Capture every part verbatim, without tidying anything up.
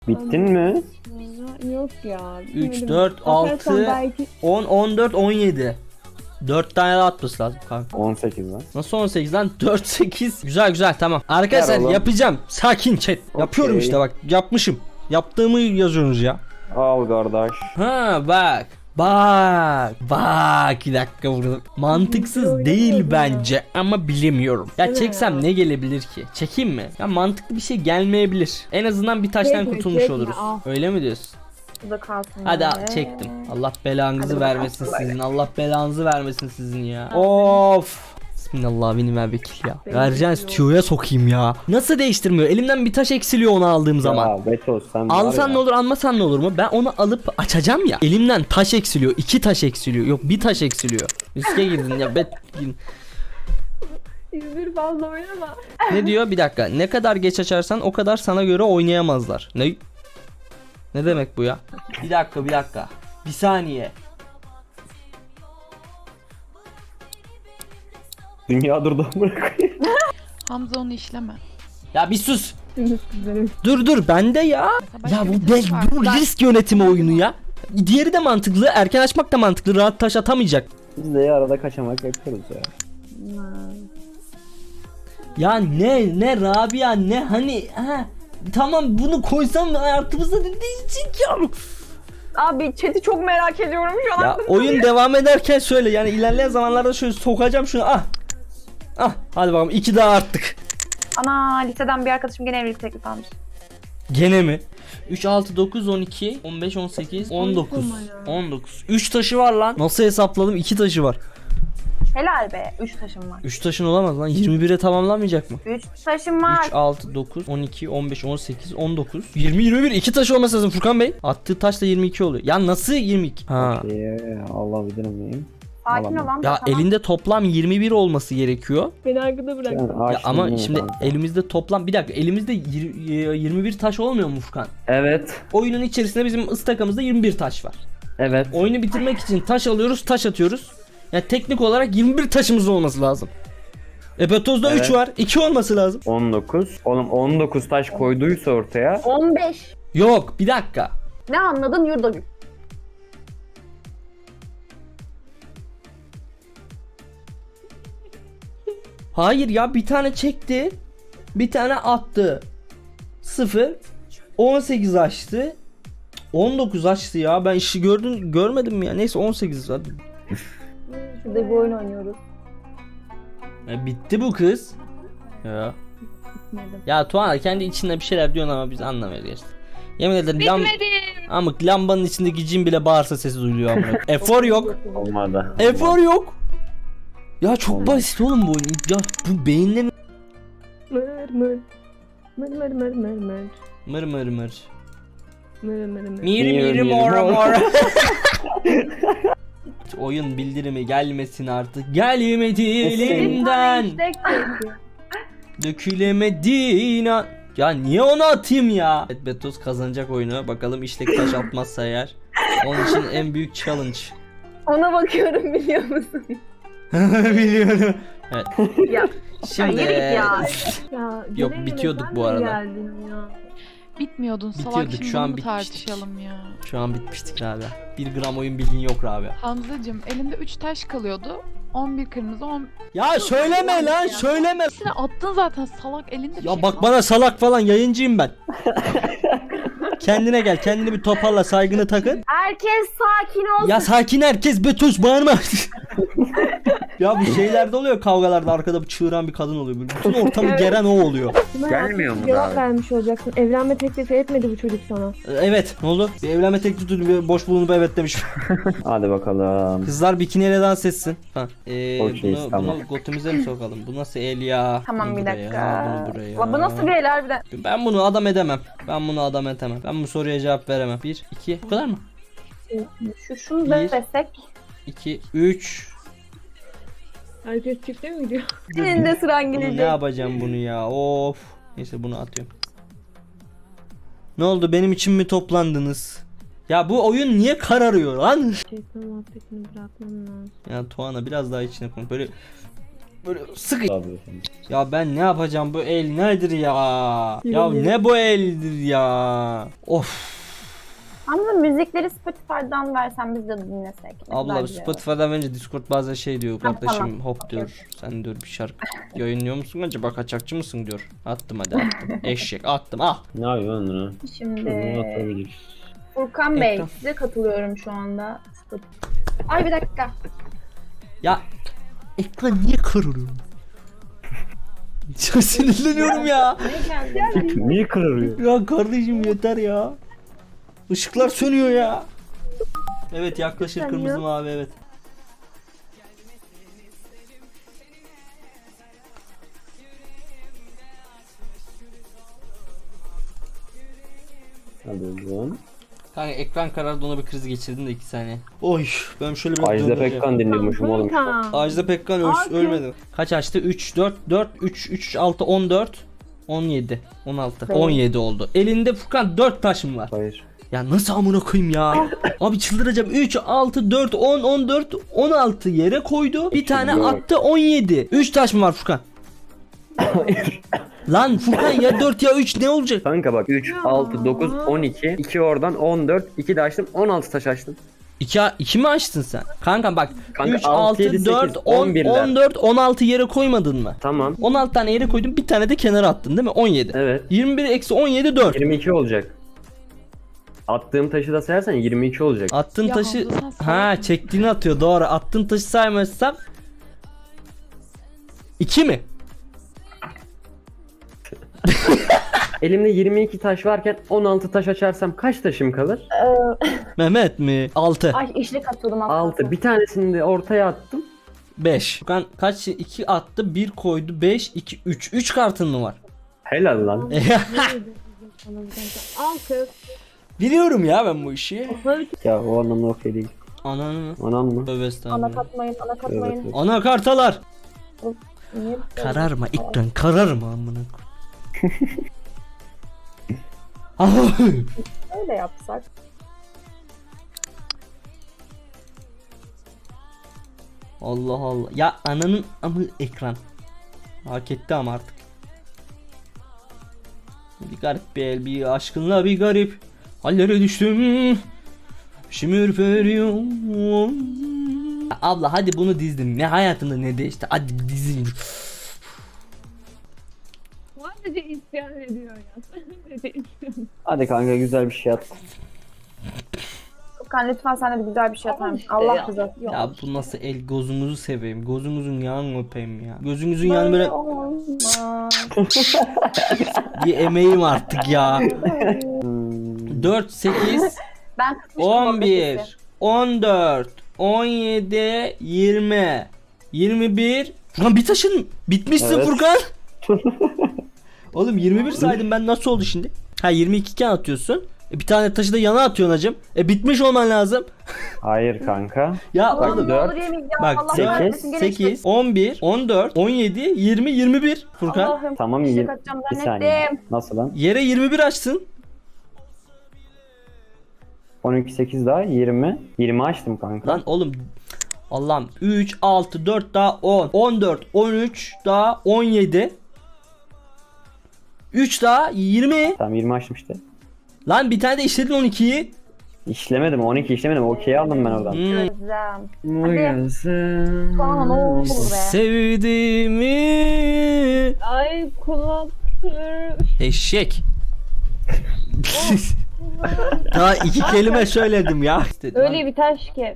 Bittin mi? Yok ya. üç, dört, altı, belki... on, on dört, on yedi. dört tane daha atması lazım kanka. on sekiz lan. Nasıl on sekiz lan? dört, sekiz. Güzel güzel tamam. Arkadaşlar Ver oğlum. yapacağım. Sakin chat. Yapıyorum Okey. işte bak. Yapmışım. Yaptığımı yazıyorsunuz ya. Al kardeş. Ha bak. Bak. Bak. Bir dakika burada. Mantıksız değil bence ama bilemiyorum. Ya Değil mi çeksem ya? ne gelebilir ki? Çekeyim mi? Ya mantıklı bir şey gelmeyebilir. En azından bir taştan Çekme, kurtulmuş çekme, oluruz. al. Öyle mi diyorsun? Bu da kalsın. Hadi böyle. al, çektim. Allah belanızı Hadi vermesin bakalım. sizin. Allah belanızı vermesin sizin ya. Of. Bismillah benim ver vekil ya. Benim Vereceğin yok. stüdyoya sokayım ya. Nasıl değiştirmiyor? Elimden bir taş eksiliyor onu aldığım zaman. Ya Betos sen var Alsan ya. ne olur almasan ne olur mu? Ben onu alıp açacağım ya. Elimden taş eksiliyor. iki taş eksiliyor. Yok bir taş eksiliyor. Riske girdin ya. Bet... İzmir fazla oynama. Ne diyor? Bir dakika. Ne kadar geç açarsan o kadar sana göre oynayamazlar. Ne? Ne demek bu ya? Bir dakika bir dakika. Bir saniye. Dünya durdu amına koyayım. Hamza onu işleme. Ya bir sus. Güzelim. Dur dur bende ya. Başka Ya bir bu, taş be, var. bu risk yönetimi oyunu ya. Diğeri de mantıklı. Erken açmak da mantıklı. Rahat taş atamayacak. Biz de arada kaçamak yapıyoruz ya. Ya ne ne Rabia ne hani ha. Tamam bunu koysam hayatımızda ne değişecek ya. Abi chat'i çok merak ediyorum şu an. Ya oyun devam ederken şöyle yani ilerleyen zamanlarda şöyle sokacağım şunu ah. Ah hadi bakalım iki daha arttık. Ana liseden bir arkadaşım gene evlilik teklifi almış. Gene mi? üç, altı, dokuz, on iki, on beş, on sekiz, on dokuz. on dokuz. üç taşı var lan. Nasıl hesapladım? iki taşı var. Helal be. üç taşım var. üç taşın olamaz lan. yirmi bire tamamlanmayacak mı? üç taşım var. üç, altı, dokuz, on iki, on beş, on sekiz, on dokuz, yirmi, yirmi bir. iki taş olması lazım Furkan Bey. Attığı taş da yirmi iki oluyor. Ya nasıl yirmi iki? Ha. Ee, Allah bilir miyim? Sakin Alamam. ol lan. Ya tamam. elinde toplam yirmi bir olması gerekiyor. Beni arkada bırak. Sen Ya açtın ama değil mi şimdi kanka? elimizde toplam bir dakika elimizde yir- yirmi bir taş olmuyor mu Furkan? Evet. Oyunun içerisinde bizim ıstakamızda yirmi bir taş var. Evet. Oyunu bitirmek için taş alıyoruz, taş atıyoruz. Yani teknik olarak yirmi bir taşımız olması lazım. Epetoz'da Evet. üç var, iki olması lazım. on dokuz. Oğlum on dokuz taş koyduysa ortaya. on beş. Yok, bir dakika. Ne anladın Yurdagül? Hayır ya bir tane çekti. Bir tane attı. sıfır. on sekiz açtı. on dokuz açtı ya. Ben işi gördün görmedim mi ya? Neyse on sekiz hadi. Şurada bir oyun oynuyoruz. E, bitti bu kız. Ya. Ya Tuana kendi içinde bir şeyler diyorsun ama biz anlamıyoruz gerçekten. Yemin ederim lam Amık lambanın içindeki cin bile bağırsa sesi duyuluyor amına. Efor yok. Olmadı. Efor yok. Ya çok Olmaz. basit oğlum bu oyun. Ya bu beyinle mi? Mır mır. Mır mır mır mır mır. Mır mır mır. Mır mır mır. Miri Miri miri miri mora mor. mora. Oyun bildirimi gelmesin artık. Gelmedi elimden. Dökülemedin an- Ya niye onu atayım ya? Evet Betos kazanacak oyunu. Bakalım işlek taş atmazsa eğer. Onun için en büyük challenge. Ona bakıyorum biliyor musun? Biliyorum. Evet. Ya. Şimdi Ya, yürü ya. Ya, Yok, Cemile, bitiyorduk sen bu de arada. geldin ya. Bitmiyordun salak, Bitiyorduk, şimdi şu an bunu bitmiştik. tartışalım ya. şu an bitmiştik abi. Bir gram oyun bilgin yok abi. Hamzacığım elinde üç taş kalıyordu. on bir kırmızı, on... Ya söyleme lan söyleme. Hepsini attın zaten salak, elinde bir Ya şey bak kalmadı. bana salak falan yayıncıyım ben. Kendine gel, kendini bir toparla, saygını takın. Herkes sakin olsun. Ya sakin herkes, Betos bağırma. Ya bu şeylerde oluyor, kavgalarda arkada bir çığıran bir kadın oluyor. Böyle bütün ortamı Evet. geren o oluyor. Gelmiyor mu Cevap daha? vermiş olacaksın. Evlenme teklifi etmedi bu çocuk sana. Ee, Evet, ne oldu? Bir evlenme teklifi bir boş bulunup evet demiş. Hadi bakalım. Kızlar bikiniyle dans etsin. Ha. Ee, Okey, bunu, tamam. bunu götümüze mi sokalım? Bu nasıl el ya? Tamam Bunu bir buraya, dakika. bunu buraya. La bu nasıl bir el harbiden? Ben bunu adam edemem. Ben bunu adam edemem. Ben bu soruya cevap veremem. Bir, iki, bu kadar mı? Şu şunu Bir. da desek. iki, üç. Herkes çifte mi gidiyor? Senin de sıran Bunu ne gelecek. yapacağım bunu ya? Of. Neyse bunu atıyorum. Ne oldu? Benim için mi toplandınız? Ya bu oyun niye kararıyor lan? Şeytan muhabbetini bırakmam lazım. Ya Tuana biraz daha içine koy. Böyle böyle sık. Abi. Ya ben ne yapacağım, bu el nedir ya? Ya ne bu eldir ya? Of. Ama müzikleri Spotify'dan versen biz de dinlesek. Ne Abla kadar güzel olur. Spotify'dan verince Discord bazen şey diyor, Tamam, kardeşim tamam. hop Okey, diyor. Sen diyor bir şarkı yayınlıyor musun acaba, kaçakçı mısın diyor. Attım hadi attım. Eşek attım ah. Ne yapıyorsun lan? Bunu Şimdi atabiliriz. Furkan Bey Ekran. size katılıyorum şu anda. Spotify. Ay bir dakika. Ya ekran niye kırılıyor? Çok sinirleniyorum ya. Ne geldi? Niye kırılıyor? Ya kardeşim yeter ya. Işıklar sönüyor ya. Evet yaklaşır kırmızı mavi evet. Hadi oğlum. Kanka ekran karardı, ona bir kriz geçirdim de iki saniye. Oy ben şöyle bir Ajda Pekkan dinliyormuşum oğlum. Kanka. Ajda Pekkan öl- ölmedi. Kaç açtı? üç, dört, dört, üç, üç, altı, on dört, on yedi, on altı, on yedi oldu. Elinde Furkan dört taşım var. Hayır. Ya nasıl amına koyayım ya? Abi çıldıracağım. üç, altı, dört, on, on dört, on altı yere koydu. Bir tane Yok. attı on yedi. üç taş mı var Furkan? Lan Furkan ya dört ya üç ne olacak? Kanka bak üç, altı, dokuz, on iki. iki oradan on dört. iki de açtım. on altı taş açtım. iki, iki mi açtın sen? Kanka bak Kanka üç, altı, yedi, altı, dört, sekiz, on, on birler. on dört, on altı yere koymadın mı? Tamam. on altı tane yere koydun, bir tane de kenara attın değil mi? on yedi. Evet. yirmi bir eksi on yedi dört. yirmi iki olacak. Attığım taşı da sayarsan yirmi iki olacak. Attığın Ya taşı Hamza sen salak ha mısın? çektiğini atıyor doğru. Attığın taşı saymazsam iki mi? Elimde yirmi iki taş varken on altı taş açarsam kaç taşım kalır? Mehmet mi? altı. Ay işle katıldım aslında. altı. Bir tanesini de ortaya attım. beş. Furkan kaç iki attı? bir koydu. beş, iki, üç. üç kartın mı var? Helal lan. Altı. Biliyorum ya ben bu işi. Ya o anlamda okey değil. Ananı mı? Anan mı? Tövbe Ana estağfurullah. katmayın, ana katmayın. Evet. Ana kartalar. Niye? Kararma ikran kararma amına koy. Öyle yapsak. Allah Allah. Ya ananın amı ekran. Hak etti ama artık. Bir garip bir el, bir aşkınla bir garip hallere düştüm. Şimdi ürperiyorum. Abla hadi bunu dizdim. Ne hayatında ne değişti. Hadi dizin. Sadece isyan ediyor ya. Sadece isyan. Hadi kanka güzel bir şey at. Furkan lütfen sen de bir güzel bir şey atar mısın? Allah rızası için. Ya bu nasıl el, gözünüzü seveyim. Gözünüzün yanını öpeyim ya. Gözünüzün yanı böyle olmaz. bir emeğim artık ya. dört, sekiz, Ben kısmıştım on orada bir, sesi. on dört, on yedi, yirmi, yirmi bir. Furkan bir taşın bitmişsin Evet. Furkan. Oğlum yirmi bir saydım ben, nasıl oldu şimdi? Ha yirmi iki iken atıyorsun. E, bir tane taşı da yana atıyorsun hacım. E bitmiş olman lazım. Hayır kanka. Ya Allah'ım oğlum ne dört. olur yemeyeceğim. bak Allah sekiz, kahretsin, gene sekiz, on bir, on dört, on yedi, yirmi, yirmi bir Furkan. Allah'ım Tamam işe yirmi. kaçacağım Bir saniye. zannettim. Nasıl lan? Yere yirmi bir açsın. on iki, sekiz daha yirmi. yirmi açtım kanka. Lan oğlum Allah'ım üç, altı, dört daha on, on dört, on üç daha on yedi, üç daha yirmi. Tamam yirmi açtım işte. Lan bir tane de işledin on ikiyi. İşlemedim, on iki işlemedim. Okey aldım ben oradan. Hmm. Özlem. Hadi. Bana ne olur be. Sevdiğimi Ay kulak. eşek. Daha iki kelime söyledim ya. Öyle bir taş ki.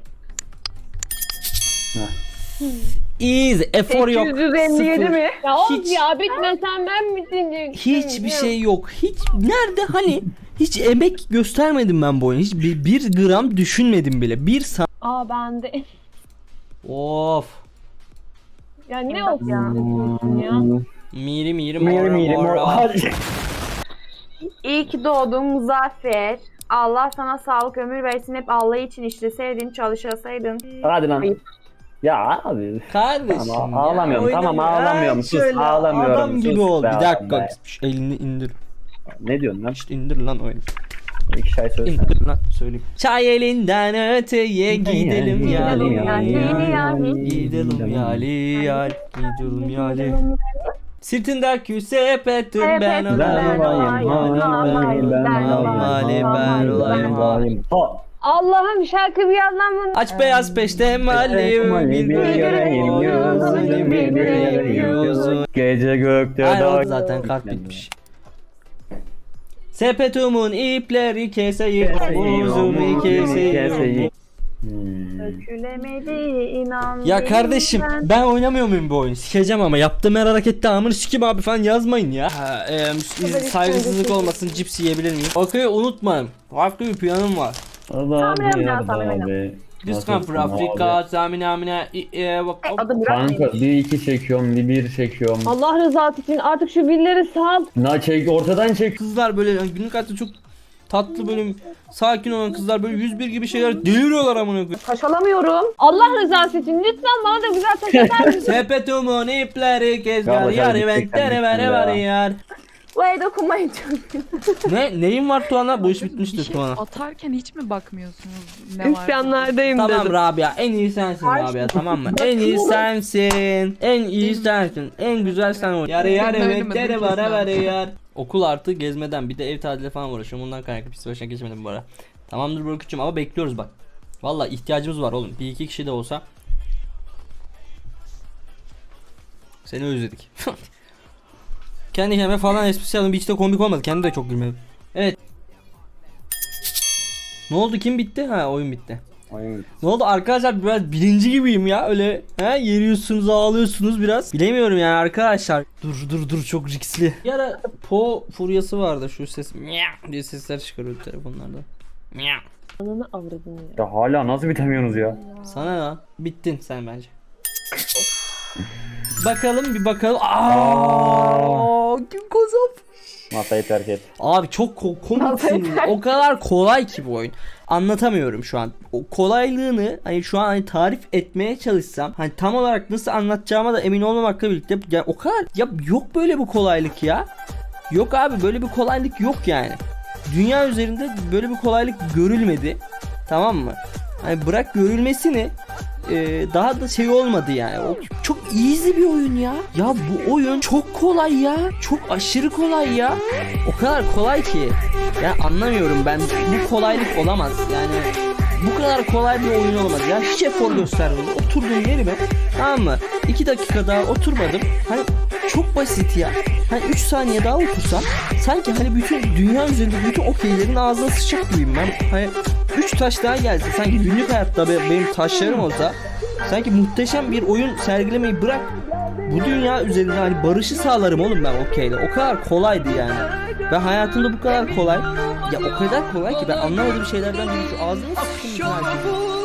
Easy, efor yok. sekiz yüz elli yedi Sıfır. mi? Ya of Hiç- ya bitmesen ben mi dinleyecektim? Hiçbir şey yok. Hiç nerede hani hiç emek göstermedim ben bu oyuna. Hiç bir, bir gram düşünmedim bile. Bir san. Aa bende. Of. Ya ne of ya? Hmm. ya. Miri miri Miri mora miri mora. mor. Hadi. İyi ki doğdun Muzaffer. Allah sana sağlık ömür versin. Hep Allah için işleseydin, çalışasaydın. Hadi lan. Ayıp. Ya abi. Kardeşim Tamam, ya, ağlamıyorum, tamam, oynama. ağlamıyorum. Ha, Sus, şöyle ağlamıyorum. Adam gibi Sus ol. be Bir adam dakika. be. Şş, elini indir. Ne diyorsun lan? İşte indir lan oyunu. İki şey söylesene. İndir lan söyleyeyim. Çay elinden öteye gidelim yali Gidelim yali, yali. yali. Gidelim yali yali. Gidelim yali. Sırtındaki sepetim ben Sepetim olayım. ben olayım, halim, ben olayım, ben olayım. halim. Ha. Allah'ım şarkı bir yandan mı? Aç beyaz peşte malim bir göreyim yüzünü bir göreyim yüzünü. Gece gökte Ay oldu dağ- zaten kart bitmiş. Sepetumun ipleri keseyim, buzumu keseyim. Hmm. Dökülemedi inan. Ya kardeşim ben. ben oynamıyor muyum bu oyunu? Sikeceğim ama yaptığım her harekette amını sikim abi falan yazmayın ya. Ha, e, saygısızlık olmasın, cips yiyebilir miyim? Okey unutmayın. Farklı bir planım var. Allah Tamam, abi ya, ya tamam, abi. Biz come from Africa, Zamine Amine, e, bak. Adı Burak Kanka mıymış? bir iki çekiyorum, bir bir çekiyorum. Allah rızası için artık şu billeri sal. Na çek, ortadan çek. Kızlar böyle yani günlük hayatta çok tatlı böyle sakin olan kızlar böyle yüz bir gibi şeyler deliriyorlar amına koyayım. Taş alamıyorum. Allah rızası için lütfen bana da güzel taş atar mısın? Sepetumun ipleri kezgar Galiba yar sen eventlere gittik vere ya. vere yar. Vay dokunmayın çok. Ne neyin var Tuana? Bu iş Bir bitmiştir şey Tuana. atarken hiç mi bakmıyorsunuz ne var? İsyanlardayım Tamam dedim. Rabia en iyi sensin Rabia tamam mı? En iyi sensin. En iyi sensin. En güzel sen ol. Yar yar Senin öyle mi? eventlere Dur, vere kesin vere yar. Okul artı gezmeden bir de ev tatili falan uğraşıyorum. Ondan kaynaklı pis başına geçmedim bu ara. Tamamdır Burku'cum ama bekliyoruz bak. Valla ihtiyacımız var oğlum. Bir iki kişi de olsa. Seni özledik. Kendi kendime falan esprisi yaptım. Hiç de komik olmadı. Kendi de çok gülmedim. Evet. Ne oldu? Kim bitti? Ha oyun bitti. Oyun. Ne oldu arkadaşlar biraz birinci gibiyim ya öyle he yeriyorsunuz ağlıyorsunuz biraz bilemiyorum yani arkadaşlar dur dur dur çok riskli bir ara Po furyası vardı şu ses miyav diye sesler çıkarıyordu telefonlarda miyav. Ananı avradını ya. Ya hala nasıl bitemiyorsunuz ya? Sana ne bittin sen bence bakalım bir bakalım aaa kim kazandı. Masayı terk et. Abi çok ko- komiksin. O kadar kolay ki bu oyun. Anlatamıyorum şu an. O kolaylığını hani şu an hani tarif etmeye çalışsam hani tam olarak nasıl anlatacağıma da emin olmamakla birlikte yani o kadar ya yok böyle bir kolaylık ya. Yok abi böyle bir kolaylık yok yani. Dünya üzerinde böyle bir kolaylık görülmedi. Tamam mı? Hani bırak görülmesini e, daha da şey olmadı yani. O çok easy bir oyun ya. Ya bu oyun çok kolay ya. Çok aşırı kolay ya. O kadar kolay ki. Ya anlamıyorum ben. Bu kolaylık olamaz. Yani bu kadar kolay bir oyun olamaz. Ya hiç efor göstermedim. Oturduğum yerime tamam mı? iki dakika daha oturmadım. Hani çok basit ya. Hani üç saniye daha otursam sanki hani bütün dünya üzerinde bütün okeylerin ağzına sıçacak gibiyim ben. Hani üç taş daha gelse sanki günlük hayatta be- benim taşlarım olsa sanki muhteşem bir oyun sergilemeyi bırak. Bu dünya üzerinde hani barışı sağlarım oğlum ben okeyle. O kadar kolaydı yani. Ben hayatımda bu kadar kolay. Ya o kadar kolay ki ben anlamadığım şeylerden biri şu ağzına sıçtım.